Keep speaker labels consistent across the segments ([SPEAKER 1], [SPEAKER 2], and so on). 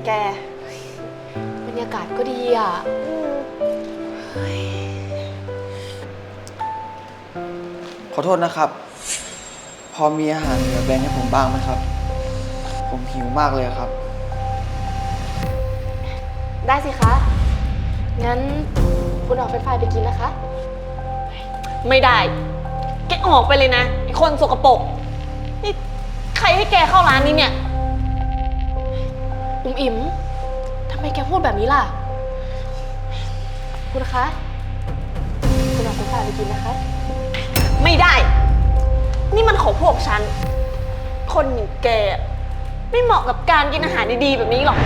[SPEAKER 1] แก
[SPEAKER 2] บรรยากาศก็ดีอ่ะ
[SPEAKER 3] ขอโทษนะครับ พอมีอาหารเหลือแบ่งให้ผมบ้างไหมครับ ผมหิวมากเลยครับ
[SPEAKER 2] ได้สิคะ งั้นคุณเอาเฟรนช์ฟรายไปกินนะคะ
[SPEAKER 1] ไม่ได้แกออกไปเลยนะไอ้คนสกปรกนี่ใครให้แกเข้าร้านนี้เนี่ย
[SPEAKER 2] อิ๋มทำไมแกพูดแบบนี้ล่ะ คุณคะ คุณเอาเฟรนช์ฟรายไปกินนะคะ
[SPEAKER 1] ไม่ได้นี่มันของพวกฉันคนอย่างแกไม่เหมาะกับการกินอาหารดีๆแบบนี้หรอก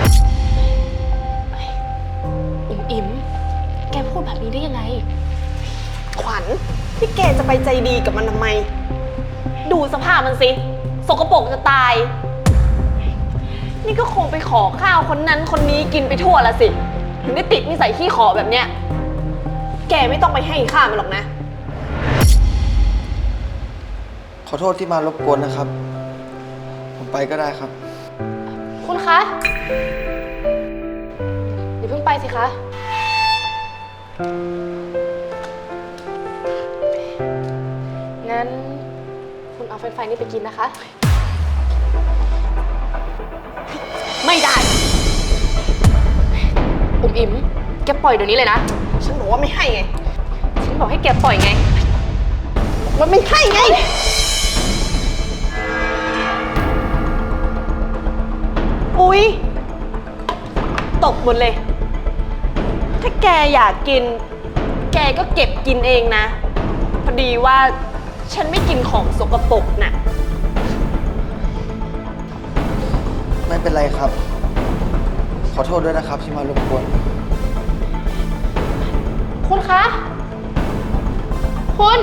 [SPEAKER 2] อิ๋มแกพูดแบบนี้ได้ยังไง
[SPEAKER 1] ขวัญที่แกจะไปใจดีกับมันทำไมดูสภาพมันสิสกปรกจะตายนี่ก็คงไปขอข้าวคนนั้นคนนี้กินไปทั่วละสิถึงได้ติดนิสัยขี้ขอแบบเนี้ยแกไม่ต้องไปให้ข้ามันหรอกนะ
[SPEAKER 3] ขอโทษที่มารบกวนนะครับ ผมไปก็ได้ครับ
[SPEAKER 2] คุณคะอย่าเพิ่งไปสิคะ งั้นคุณเอาเฟรนช์ฟรายนี่ไปกินนะคะ
[SPEAKER 1] ไม่ได้
[SPEAKER 2] อิ๋มแกปล่อยเดี๋ยวนี้เลยนะ
[SPEAKER 1] ฉันบอกว่าไม่ให้ไง
[SPEAKER 2] ฉันบอกให้แกปล่อยไง
[SPEAKER 1] มันไม่ให้ไงอุ๊ยตกหมดเลย ถ้าแกอยากกินแกก็เก็บกินเองนะพอดีว่าฉันไม่กินของสกปรกน่ะ
[SPEAKER 3] ไม่เป็นไรครับ ขอโทษด้วยนะครับที่มารบกวน
[SPEAKER 2] คุณคะ คุณ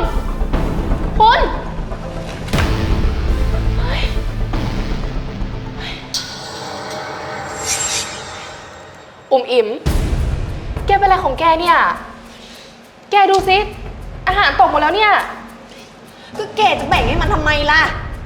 [SPEAKER 2] อิ๋มแกเป็นอะไรของแกเนี่ย แกดูสิอาหารตกหมดแล้วเนี่ย
[SPEAKER 1] ก็แกจะแบ่งให้มันทำไมล่ะ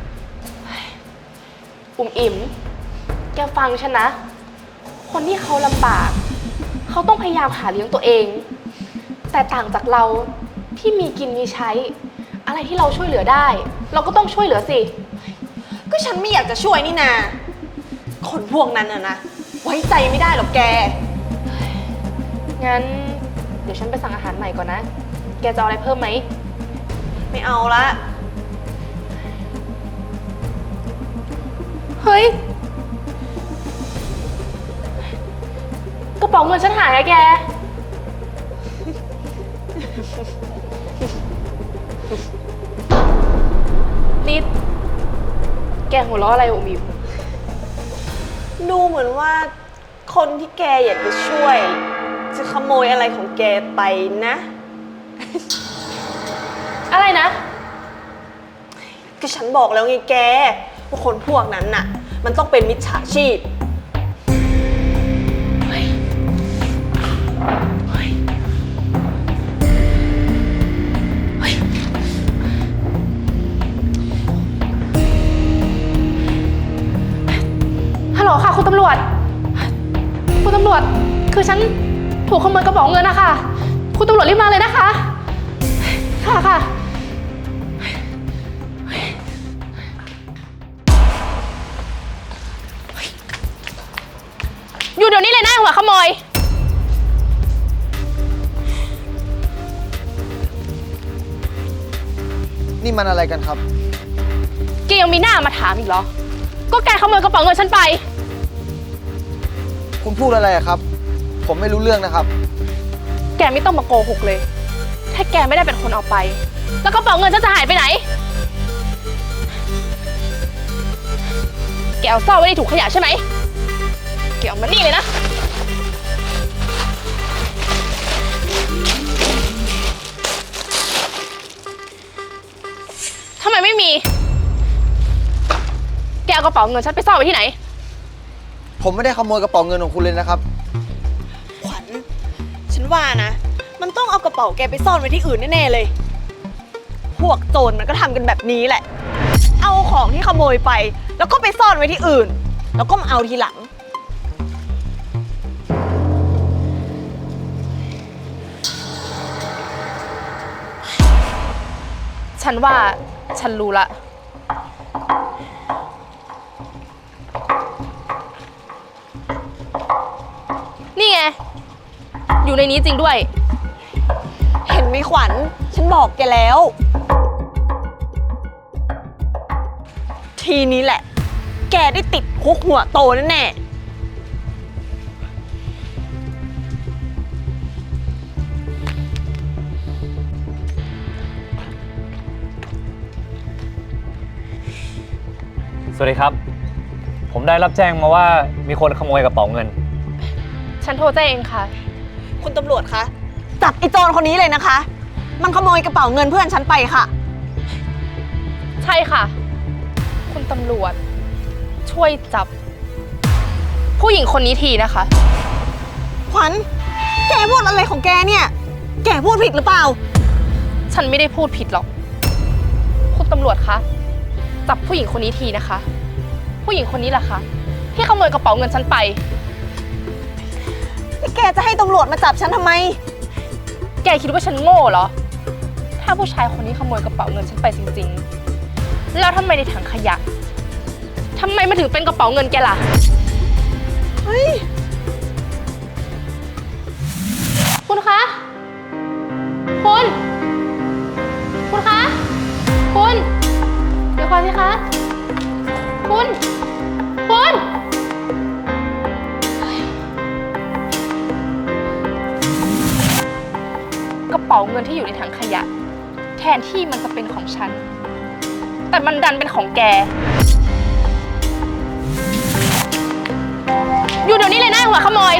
[SPEAKER 2] อิ๋มแกฟังฉันนะ คนที่เขาลำบากเขาต้องพยายามหาเลี้ยงตัวเอง แต่ต่างจากเราที่มีกินมีใช้อะไรที่เราช่วยเหลือได้ เราก็ต้องช่วยเหลือสิ
[SPEAKER 1] ก็ฉันไม่อยากจะช่วยนี่นาคนพวกนั้นน่ะนะไว้ใจไม่ได้หรอกแก
[SPEAKER 2] งั้นเดี๋ยวฉันไปสั่งอาหารใหม่ก่อนนะ แกจะเอาอะไรเพิ่มไหม
[SPEAKER 1] ไม่เอาละ
[SPEAKER 2] เฮ้ยกระเป๋าเงินฉันหายอะแกนี่แกหัวเราะอะไรอิ๋ม
[SPEAKER 1] ดูเหมือนว่าคนที่แกอยากจะช่วยจะขโมยอะไรของแกไปนะ
[SPEAKER 2] อะไรนะ
[SPEAKER 1] ก็ฉันบอกแล้วไงแกว่าคนพวกนั้นน่ะมันต้องเป็นมิจฉาชีพ
[SPEAKER 2] ฮัลโหลค่ะคุณตำรวจคือฉันถูกขโมยกระเป๋าเงินนะคะคุณตำรวจรีบมาเลยนะคะค่ะอยู่เดี๋ยวนี้เลยนะหัวขโมย
[SPEAKER 3] นี่มันอะไรกันครับ
[SPEAKER 2] แกยังมีหน้ามาถามอีกเหรอก็แกขโมยกระเป๋าเงินฉันไป
[SPEAKER 3] คุณพูดอะไรครับ ผมไม่รู้เรื่องนะครับ
[SPEAKER 2] แกไม่ต้องมาโกหกเลยถ้าแกไม่ได้เป็นคนเอาไปแล้วกระเป๋าเงินฉันจะหายไปไหนแกเอาซ่อนไว้ในถุงขยะใช่ไหมแกเอามานี่เลยนะทำไมไม่มีแกเอากระเป๋าเงินฉันไปซ่อนไว้ที่ไหน
[SPEAKER 3] ผมไม่ได้ขโมยกระเป๋าเงินของคุณเลยนะครับ
[SPEAKER 1] ขวัญฉันว่านะมันต้องเอากระเป๋าแกไปซ่อนไว้ที่อื่นแน่ๆเลยพวกโจรมันก็ทำกันแบบนี้แหละเอาของที่ขโมยไปแล้วก็ไปซ่อนไว้ที่อื่นแล้วก็มาเอาทีหลัง
[SPEAKER 2] ฉันว่าฉันรู้ละ นี่ไง อยู่ในนี้จริงด้วย
[SPEAKER 1] เห็นไหมขวัญ ฉันบอกแกแล้ว ทีนี้แหละ แกได้ติดคุกหัวโตแน่ๆ
[SPEAKER 4] สวัสดีครับ ผมได้รับแจ้งมาว่ามีคนขโมยกระเป๋าเงิน
[SPEAKER 2] ฉันโทรแจ้งเองค่ะ
[SPEAKER 1] คุณตำรวจคะ จับไอ้โจรคนนี้เลยนะคะ มันขโมยกระเป๋าเงินเพื่อนฉันไปค่ะ
[SPEAKER 2] ใช่ค่ะ คุณตำรวจ ช่วยจับ ผู้หญิงคนนี้ทีนะคะ
[SPEAKER 1] ขวัญ แกพูดอะไรของแกเนี่ย แกพูดผิดหรือเปล่า
[SPEAKER 2] ฉันไม่ได้พูดผิดหรอก คุณตำรวจคะ จับผู้หญิงคนนี้ทีนะคะ ผู้หญิงคนนี้แหละคะที่ขโมยกระเป๋าเงินฉันไป
[SPEAKER 1] แกจะให้ตำรวจมาจับฉันทำไม
[SPEAKER 2] แกคิดว่าฉันโง่เหรอ ถ้าผู้ชายคนนี้ขโมยกระเป๋าเงินฉันไปจริงๆ แล้วทำไมในถังขยะทำไมมันถึงเป็นกระเป๋าเงินแกล่ะ
[SPEAKER 1] เฮ้ย
[SPEAKER 2] คุณคะ คุณ คุณคะ คุณ เดี๋ยวก่อนสิคะ คุณ คุณ กระเป๋าเงินที่อยู่ในถังขยะ แทนที่มันจะเป็นของฉัน แต่มันดันเป็นของแก อยู่เดี๋ยวนี้เลยนะหัวขโมย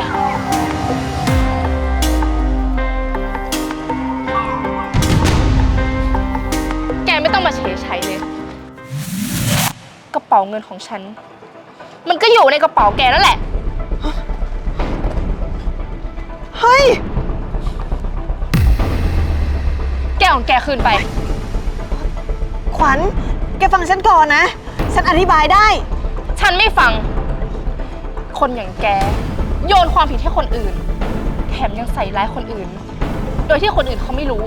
[SPEAKER 2] แกไม่ต้องมาเฉยชัยเลย กระเป๋าเงินของฉัน มันก็อยู่ในกระเป๋าแกนั่นแหละ
[SPEAKER 1] เฮ้ย
[SPEAKER 2] แกของแกคืนไป
[SPEAKER 1] ขวัญ แกฟังฉันก่อนนะ ฉันอธิบายได้
[SPEAKER 2] ฉันไม่ฟัง คนอย่างแก โยนความผิดให้คนอื่น แถมยังใส่ร้ายคนอื่น โดยที่คนอื่นเขาไม่รู้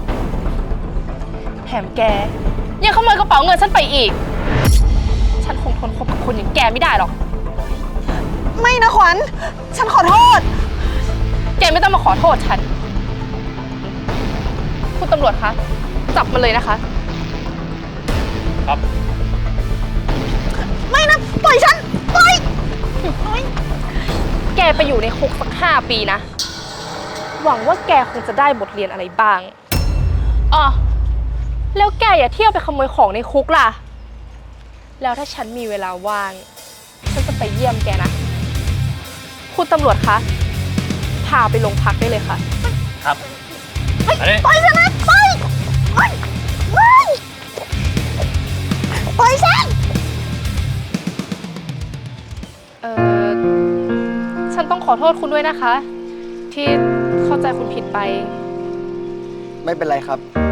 [SPEAKER 2] แถมแกยังขโมยกระเป๋าเงินฉันไปอีก ฉันคงทนคบกับคนอย่างแกไม่ได้หรอก
[SPEAKER 1] ไม่นะขวัญ ฉันขอโทษ
[SPEAKER 2] แกไม่ต้องมาขอโทษฉัน คุณตำรวจคะ จับมันเลยนะคะ
[SPEAKER 4] ครับ
[SPEAKER 1] ไม่นะ ปล่อยฉัน ปล่อย
[SPEAKER 2] แกไปอยู่ในคุกสัก5 ปีนะ หวังว่าแกคงจะได้บทเรียนอะไรบ้างอ๋อแล้วแกอย่าเที่ยวไปขโมยของในคุกล่ะ แล้วถ้าฉันมีเวลาว่าง ฉันจะไปเยี่ยมแกนะ คุณตำรวจคะ พาไปโรงพักได้เลยค่ะ
[SPEAKER 4] ครับอันนี้
[SPEAKER 1] ปล่อยฉันนะ ปล่อยปล่อยปล่อยปล่อยฉัน
[SPEAKER 2] ฉันต้องขอโทษคุณด้วยนะคะ ที่เข้าใจคุณผิดไป
[SPEAKER 3] ไม่เป็นไรครับ